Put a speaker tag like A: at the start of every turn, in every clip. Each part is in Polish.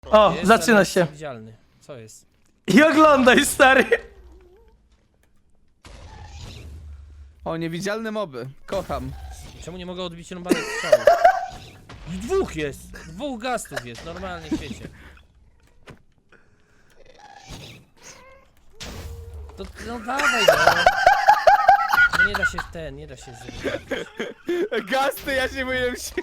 A: O,
B: Jest,
A: zaczyna
B: ale
A: się.
B: jest widzialny. Co jest?
A: I oglądaj, stary.
C: O, niewidzialne moby. Kocham.
B: Czemu nie mogę odbić rąbanych strzałów? Dwóch jest! Dwóch gastów jest, normalnie w świecie. To, no dawaj, no. No nie da się nie da się zrobić.
C: Gasty, ja się boję się.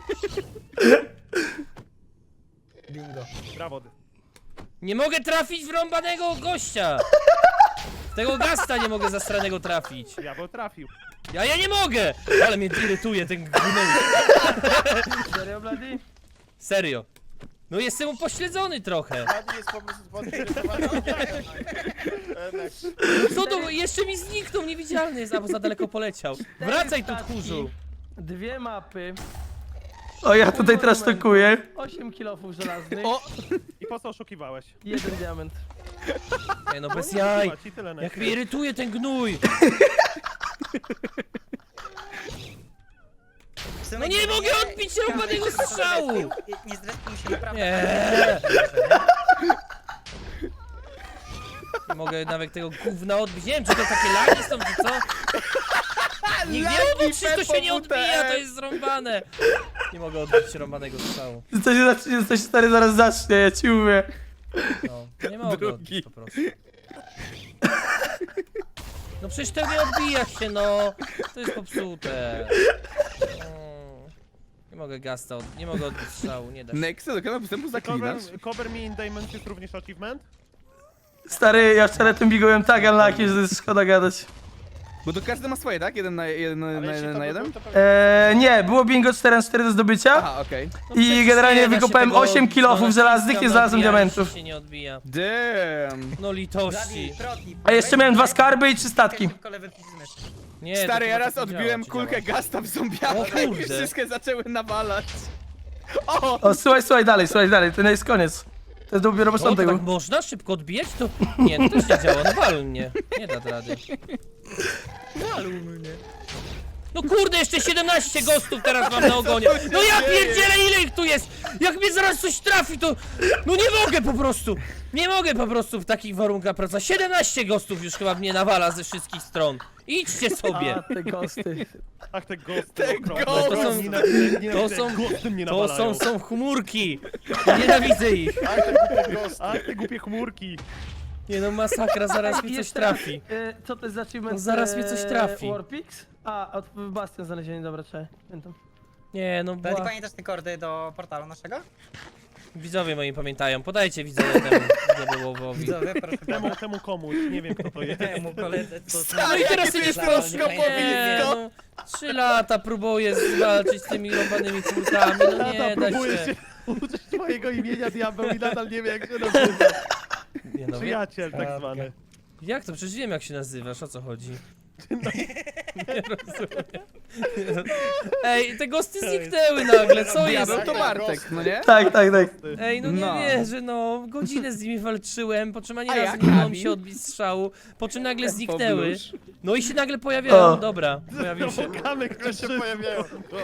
D: Bingo.
E: Brawo.
B: Nie mogę trafić w rąbanego gościa! Tego gasta nie mogę zastranego trafić.
E: Diabeł trafił.
B: Ja nie mogę! Ale mnie irytuje ten gnój.
A: Serio, Blady?
B: Serio. No jestem upośledzony trochę.
D: Blady jest po prostu podgrzewany.
B: Co to? Jeszcze mi zniknął, niewidzialny jest, albo za daleko poleciał. Wracaj tu, tchórzu.
A: Dwie mapy, O, ja tutaj teraz tokuję. 8 kilofów żelaznych,
C: O!
E: I po co oszukiwałeś?
A: 1 diament.
B: Nie no, bez jaj.
E: Ci tyle
B: Jak mnie irytuje ten gnój. No nie mogę odbić rąbanego strzału.
D: Nie zrespił się naprawdę.
B: Nie. Nie mogę nawet tego gówna odbić. Nie wiem, czy to takie lagi są, czy co? Nie wiem, bo czy to się nie odbija, to jest zrąbane. Nie mogę odbić rąbanego strzału.
A: To się stary zaraz zacznie, ja ci mówię.
B: No, nie mogę
C: Drugi.
B: odbić po prostu. No przecież to nie odbija się, no. To jest popsute. Nie mogę gasta, nie mogę odbić strzału, nie da się.
C: Nexy, do kanału postępu zaklinasz?
E: Cover me in Diamond jest również achievement?
A: Stary, ja wczoraj tym bigałem tak unlucky, że to jest szkoda gadać.
C: Bo to każdy ma swoje, tak? Jeden na jeden?
A: Nie, było bingo 4 na 4 do zdobycia.
C: Aha, okej.
B: No
A: I
B: przecież
A: generalnie
B: nie da się
A: wykopałem
B: tego
A: 8
B: odbić,
A: kilofów
B: no,
A: żelaznych,
B: naciskam,
A: nie znalazłem
B: odbija,
A: diamentów.
B: się nie odbija.
C: Damn.
B: No litości.
A: A jeszcze miałem 2 skarby i 3 statki.
B: Nie,
C: Stary,
B: to
C: ja
B: chyba
C: raz
B: tak nie
C: odbiłem
B: działa, czy
C: kulkę
B: działa?
C: gasta w zombiaka
B: O
C: i
B: kurde.
C: wszystkie zaczęły nawalać. O!
A: O, słuchaj dalej, to nie jest koniec. To jest dopiero
B: O, to
A: początek.
B: tak można szybko odbijać? To... Nie, to też nie działa, no wal mnie. Nie da rady. No kurde, jeszcze 17 gostów teraz mam na ogonie. No ja pierdzielę, ile ich tu jest! Jak mnie zaraz coś trafi, to... No nie mogę po prostu! Nie mogę po prostu w takich warunkach pracować. 17 gostów już chyba mnie nawala ze wszystkich stron. Idźcie sobie!
A: A, te ghosty.
E: Ach, te ghosty.
C: Te
E: okropne.
C: ghosty.
B: To są-
E: Nienawidzę,
B: to są-
E: ghosty mnie
B: To
E: nawalają.
B: są chmurki! Nienawidzę ich!
E: Ach, te głupie chmurki.
B: Nie no, masakra, zaraz mi coś
A: Jeszcze-
B: trafi.
A: Co to jest za achievement?
B: No zaraz mnie coś trafi.
A: Warpix? A, od Bastion znalezienie, dobra, trzeba. Pamiętam.
B: Nie no,
D: Blady, pamiętasz te kordy do portalu naszego?
B: widzowie moi pamiętają. Podajcie widzowie temu diabełowowi.
D: Widzowie, proszę
E: Temu komuś, nie wiem kto to jest.
D: temu koledze, co...
B: No i teraz
C: Jakie
B: idziesz
C: to
B: po
C: jest
B: nie, no, 3 lata próbuję walczyć z tymi rąbanymi córkami, no nie da
E: próbuję
B: się.
E: się uczyć mojego imienia diabeł i nadal nie wiem jak się nazywa.
B: Nie, no,
E: Przyjaciel tak zwany.
B: jak to? Przecież wiem jak się nazywasz, o co chodzi?
E: No.
B: Nie rozumiem. Ej, te ghosty zniknęły nagle, co jest?
C: Diabeł to Bartek, no nie?
A: Tak.
B: Ej, no nie
C: No.
B: wierzę, no. Godzinę z nimi walczyłem, po czym ani
C: A
B: razu
C: jak
B: nie udało mi
C: Abi?
B: się odbić strzału, po czym nagle zniknęły.
C: Poblusz.
B: No i się nagle pojawiają,
A: O.
B: dobra, pojawił się.
E: Kamek, które się pojawiają.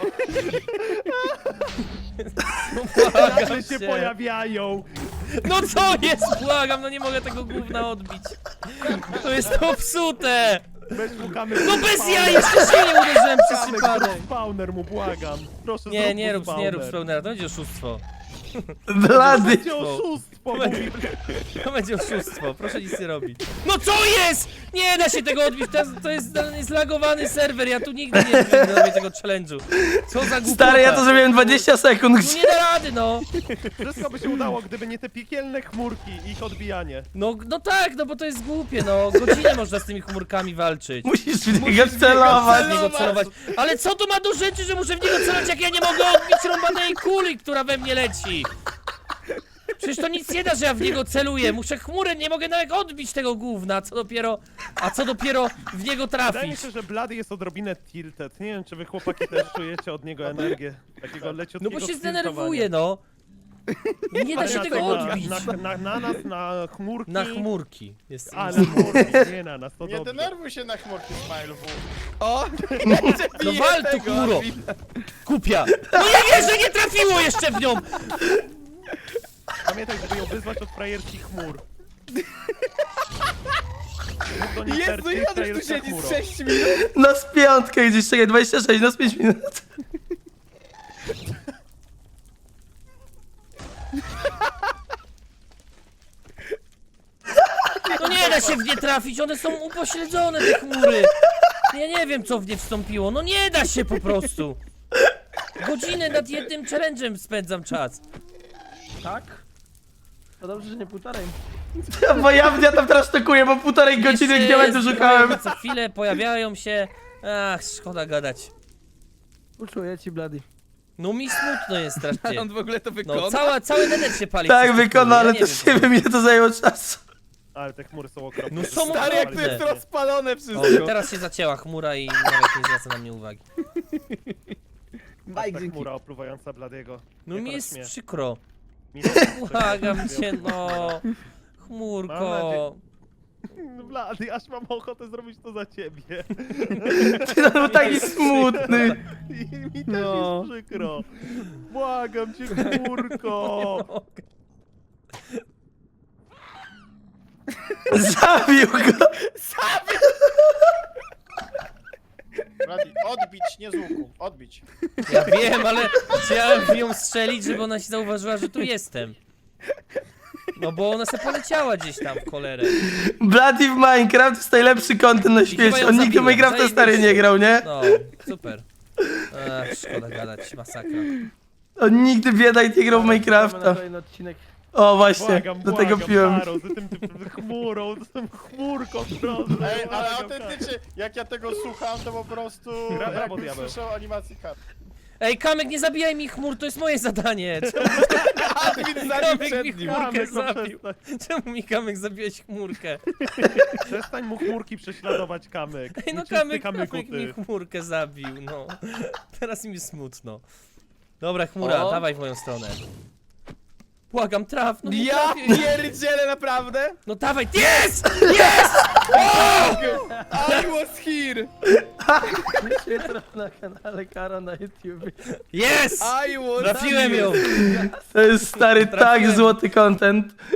B: Błagam
E: Nagle się
B: cię.
E: pojawiają.
B: No co jest, błagam, no nie mogę tego gówna odbić. To jest popsute.
E: Weź mu kamek.
B: No bez jaj, jeszcze się nie uderzyłem przez
E: Kamek,
B: przypadek.
E: zrób spawner mu, błagam. Proszę
B: Nie,
E: zrób
B: nie
E: mu
B: rób
E: spawner.
B: spełnera, to będzie oszustwo.
A: Blady.
E: Będzie oszustwo, mówi.
B: To będzie oszustwo, proszę nic nie robić. No co jest? Nie da się tego odbić, to jest zlagowany serwer, ja tu nigdy nie zrobię tego challenge'u. Co za głupota.
A: Stary, ja to zrobiłem 20 sekund.
B: No nie da rady, no.
E: Wszystko by się udało, gdyby nie te piekielne chmurki i ich odbijanie.
B: No tak, no bo to jest głupie, no. Godzinę można z tymi chmurkami walczyć.
A: Musisz w niego celować.
B: W niego celować. Ale co to ma do rzeczy, że muszę w niego celować, jak ja nie mogę odbić rąbanej kuli, która we mnie leci? Przecież to nic nie da, że ja w niego celuję. Muszę chmurę, nie mogę nawet odbić tego gówna, a co dopiero w niego
E: Wydaje mi
B: trafić.
E: się, że Blady jest odrobinę tilted. Nie wiem, czy wy chłopaki też czujecie od niego energię. Takiego
B: No
E: leciutkiego
B: bo się
E: stiltowania.
B: zdenerwuje, no. Nie da
E: Ale
B: się
E: na
B: tego
E: tego-
B: odbić.
E: Na nas, na chmurki.
B: Na chmurki. Jest
E: A, na chmurki, nie na nas, to
F: Nie
E: dobrze.
F: denerwuj się na chmurki, Smile W.
C: O!
B: No wal tu chmuro! Kupia! No ja wierzę, nie trafiło jeszcze w nią!
E: Pamiętaj, żeby ją wyzwać od frajerskich chmur. Mów do niej
C: Jezu,
E: Percy,
C: ile on już tu
E: frajerska
C: siedzi?
E: chmuro.
C: Z 6 minut?
A: No z piątkę gdzieś, czekaj, 26, no z 5 minut.
B: No nie da się w nie trafić, one są upośledzone, te chmury. Ja nie wiem, co w nie wstąpiło, no nie da się po prostu. Godzinę nad jednym challenge'em spędzam czas.
A: Tak? To dobrze, że nie półtorej. Bo ja tam teraz tokuję, bo półtorej godziny
B: Jeszcze
A: diamentu szukałem.
B: zbroje Co chwilę pojawiają się. Ach, szkoda gadać.
A: Uczuję ci, Bloody.
B: No mi smutno jest
C: Ale
B: strasznie.
C: on w ogóle to wykona?
B: No cały nether się pali.
A: Tak,
B: przez te
A: wykona,
B: chmury,
A: ale
B: ja
A: też
B: wiem.
A: nie wiem, ile to zajęło czasu.
E: Ale te chmury są okropne.
B: No są
C: Stary, jak to
B: okropne.
C: jest rozpalone
B: O,
C: wszystko.
B: teraz się zacięła chmura i nawet nie zwraca na mnie uwagi.
C: Mike,
E: Ta
C: dzięki.
E: chmura opluwająca Bladiego.
B: No
E: Jak
B: mi
E: ona
B: jest
E: śmie.
B: przykro.
E: Mi też
B: Błagam
E: przykro.
B: cię, no.
E: Mam
B: Chmurko.
E: Blady, aż mam ochotę zrobić to za ciebie.
A: Ty no był taki smutny.
E: I mi też
A: No.
E: jest przykro. Błagam cię, chmurko.
A: Zabił go.
F: Blady, odbić, nie z łuku. Odbić.
B: Ja wiem, ale chciałem w nią strzelić, żeby ona się zauważyła, że tu jestem. No bo ona se poleciała gdzieś tam w cholerę.
A: Bloody w Minecraft to jest najlepszy content na
B: chyba
A: świecie.
B: ją
A: On nigdy w
B: zabiłem,
A: Minecrafta stary
B: zajebiście.
A: nie grał, nie?
B: No, super. Ach, szkoda gadać, masakra.
A: On nigdy biedaj nie grał w Minecrafta. O właśnie,
E: Błagam,
A: do tego
E: błagam,
A: piłem.
E: Taro, z tym chmurą, z tym chmurką, proszę.
F: Ej, ale
E: błagam,
F: autentycznie, jak ja tego słucham, to po prostu...
E: Brawo,
F: jakbym
E: diabeł.
F: słyszał animacji kart.
B: Ej, Kamek, nie zabijaj mi chmur, to jest moje zadanie.
C: Admin zabił
B: Kamek mi
C: przed nim.
B: chmurkę
E: Kamek, no
B: zabił.
E: przestań.
B: Czemu mi Kamek zabiłeś chmurkę?
E: Przestań mu chmurki prześladować, Kamek.
B: Ej, no
E: Nieczysty
B: Kamek
E: kamyku,
B: mi
E: ty.
B: chmurkę zabił, no. Teraz mi smutno. Dobra, chmura,
A: O.
B: dawaj w moją stronę. Błagam, traf, no nie
C: Ja
B: trafię.
C: pierdzielę, naprawdę?
B: No dawaj, jest! Jest!
C: I was here!
A: Jutro na kanale Karo na YouTube.
B: Jest!
C: I was
B: Trafiłem
C: here.
B: ją!
A: To jest stary tak
B: Trafiłem.
A: złoty content.